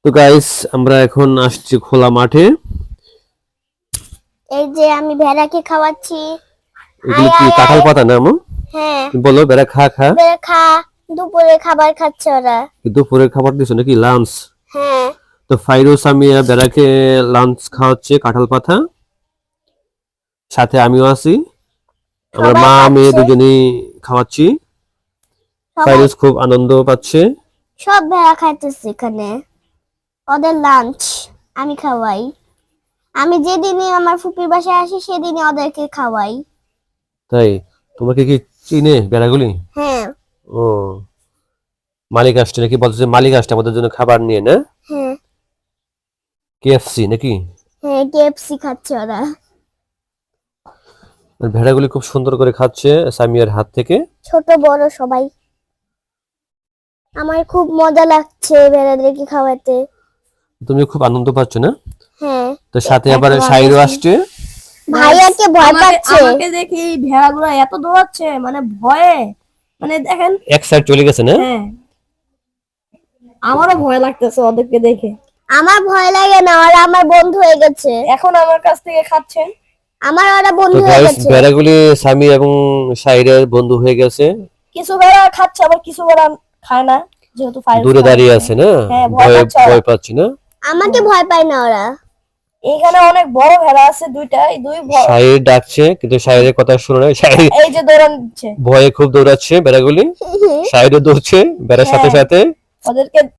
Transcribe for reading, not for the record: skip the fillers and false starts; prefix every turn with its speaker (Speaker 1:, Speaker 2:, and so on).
Speaker 1: তো গাইস আমরা এখন আসছি খোলা মাঠে।
Speaker 2: এই যে আমি ভেড়াকে খাওয়াচ্ছি।
Speaker 1: এগুলো কি কাঁঠাল পাতা না আমু?
Speaker 2: হ্যাঁ,
Speaker 1: বলো বেড়া খা খা।
Speaker 2: ভেড়া খা। দুপুরে খাবার খাচ্ছে ওরা।
Speaker 1: দুপুরের খাবার দিছো নাকি লাঞ্চ?
Speaker 2: হ্যাঁ।
Speaker 1: তো ফাইরুজ আমিয়া বেড়াকে লাঞ্চ খাওয়াচ্ছে কাঁঠাল পাতা, সাথে আমিও আছি। আমরা
Speaker 2: সবাই
Speaker 1: মা মেয়ে
Speaker 2: খাচ্ছে।
Speaker 1: দুজনেই খাওয়াচ্ছি।
Speaker 2: সবাই
Speaker 1: ফাইরুজ খুব আনন্দ পাচ্ছে।
Speaker 2: সব ভেড়া খাইতেছে এখানে। ওদের লাঞ্চ আমি খাওয়াই। আমি যেদিনই আমার ফুপির বাসায় আসি সেদিনই ওদেরকে খাওয়াই।
Speaker 1: তাই তোমাকে কি চিনে বেড়াগুলি?
Speaker 2: হ্যাঁ।
Speaker 1: ও, মালিক আসছে নাকি? বলছে মালিক আসছে আমাদের জন্য খাবার নিয়ে, না
Speaker 2: হ্যাঁ।
Speaker 1: কেএফসি নাকি?
Speaker 2: হ্যাঁ, কেএফসি খাচ্ছে ওরা।
Speaker 1: আর ভেড়াগুলি খুব সুন্দর করে খাচ্ছে সামিয়ার হাত থেকে।
Speaker 2: ছোট বড় সবাই। আমার খুব মজা লাগছে ভেড়াদেরকে খাওয়াতে।
Speaker 1: তুমি খুব আনন্দ পাচ্ছ না?
Speaker 2: হ্যাঁ।
Speaker 1: তো সাথে আবার
Speaker 2: এখন
Speaker 1: সাইরও
Speaker 2: আমি-
Speaker 1: আসছে।
Speaker 2: ভাইয়াকে ভয় পাচ্ছে।
Speaker 3: আমাকে দেখি এই ভেড়াগুলো এত দৌড়াচ্ছে, মানে ভয়ে, মানে দেখেন।
Speaker 1: এক সাইড চলে গেছে না?
Speaker 3: হ্যাঁ, আমারও ভয় লাগতেছে ওদেরকে দেখে।
Speaker 2: আমার ভয় লাগে না, ওরা আমার বন্ধু হয়ে গেছে।
Speaker 3: এখন আমার কাছ থেকে খাচ্ছেন।
Speaker 2: আমার ওরা
Speaker 1: তো
Speaker 2: বন্ধু হয়ে
Speaker 1: গাইস
Speaker 2: গেছে।
Speaker 1: ভেড়াগুলি সামি এবং সাইরের বন্ধু হয়ে গেছে।
Speaker 3: কিছু ভেড়া খাচ্ছে, আবার কিছু ভেড়া খায় না, যেহেতু ফায়ার
Speaker 1: দূরে দাঁড়িয়ে আছে না,
Speaker 3: হ্যাঁ, ভয়
Speaker 1: ভয়
Speaker 3: পাচ্ছে ওরা।
Speaker 1: ভয় পাচ্ছি না।
Speaker 2: আমাকে ভয় পায় না ওরা।
Speaker 3: এখানে অনেক বড় ভেড়া আছে, দুইটা, এই দুই
Speaker 1: সাইর ডাকছে কিন্তু সাইরের কথা শুনে না। সাইর
Speaker 3: এই যে দৌড়ান দিচ্ছে
Speaker 1: ভয়ে খুব দৌড়াচ্ছে বেড়াগুলি। সাইরও দৌড়ছে বেড়ার সাথে
Speaker 3: হ্যাঁ।
Speaker 1: সাথে।
Speaker 3: ওদেরকে